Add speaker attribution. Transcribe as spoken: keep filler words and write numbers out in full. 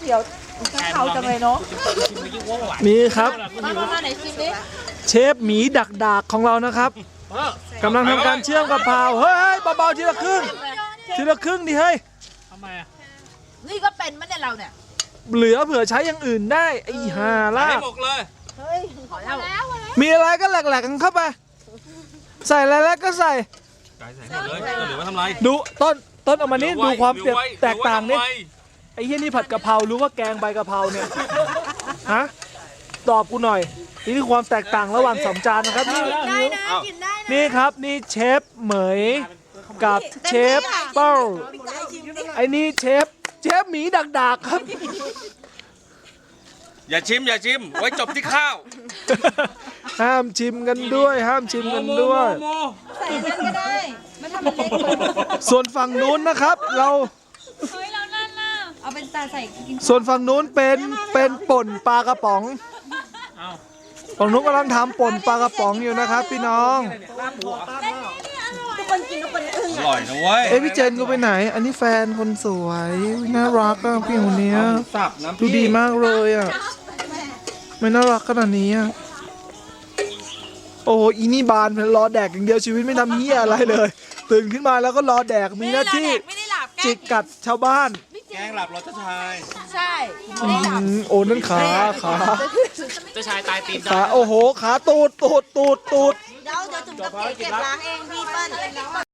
Speaker 1: ตี๋ยวข้าวจังเลยเนาะ
Speaker 2: นี่ครับ
Speaker 1: มามาไหนชิมดิ
Speaker 2: เชฟหมีดักดากของเรานะครับกำลังทำการเชื่อมกะเพราเฮ้ยเบาๆทีละครึ่งทีละครึ่งดิเฮ้ย
Speaker 3: ทำไมอ่ะ
Speaker 1: นี่ก็เป็นมั้ยเนี่ยเราเนี่ย
Speaker 2: เหลือเผื่อใช้อย่างอื่นได้ไอ้ห่าล่ะ
Speaker 4: ให้หมกเลย
Speaker 1: เฮ้ยขอแล้ว
Speaker 2: มีอะไรก็แหลกๆกันเข้าไปใส่อะไรแล้วก็ใส่
Speaker 4: ใส่ใส่หมดเลยเหลือไว้ทำไร
Speaker 2: ดูต้นต้นออกมานี่ดูความ
Speaker 4: เหลือไ
Speaker 2: แตกต่างนี่
Speaker 4: เหลือไว้
Speaker 2: ไอ้เหี้ยนี่ผัดกะเพราหรือว่าแกงใบกะเพราเนี่ยฮะตอบกูหน่อยนี่คือความแตกต่างระหว่างสองจานนะครับนี่
Speaker 1: ได้นะกินได้นะ
Speaker 2: นี่ครับนี่เชฟเหมยกับเชฟเป้าไอ้นี่เชฟเชฟหมีดักดากครับ
Speaker 4: อย่าชิมอย่าชิมไว้จบที่ข้าว
Speaker 2: ห้ามชิมกันด้วย ห้ามชิมกันด้วย
Speaker 4: โม
Speaker 1: ใส่นั่นก็ได้ไม่ทำมันเล็กเลย
Speaker 2: ส่วนฝั่งนู้นนะครับ เรา
Speaker 1: เฮ้ยเรานั่นน่ะเอาเป็นตาใส่กิน
Speaker 2: ส่วนฝั่งนู้นเป็นเป็นป่นปลากระป๋องฝั่งนู้นกำลังทำป่นปลากระป๋องอยู่นะครับ พี่น้อง
Speaker 1: ทุกคนกินทุกคนอึ้ง
Speaker 4: อร่อยนะเว้ย
Speaker 2: เอ้ยพี่เจนกูไปไหน อันนี้แฟนคนสวยน่ารักอ่ะพี่คนเนี้ย
Speaker 4: สับน้ำ
Speaker 2: ดูดีมากเลยอ่ะไม่น่ารักขนาดนี้อ่ะโอ้โหอีนี่บานรอแดกอย่างเดียวชีวิตไม่ทำเหี้ยอะไรเลย ตื่นขึ้นมาแล้วก็รอแดกมีหน้าที่
Speaker 1: ไม่ได้หลับแก
Speaker 2: จิกกัดชาวบ้าน
Speaker 4: แกงหลับรสชาย
Speaker 1: ใช่
Speaker 2: อืมโอ้นั่นขาขา
Speaker 3: เจ้าชายตายตีน
Speaker 2: ขาโอ้โหขาตูดตูดตูดตูด
Speaker 1: เดี๋ยวเดี๋ยวจุ่มกับเก็บล้างเองพี่เปิ้ล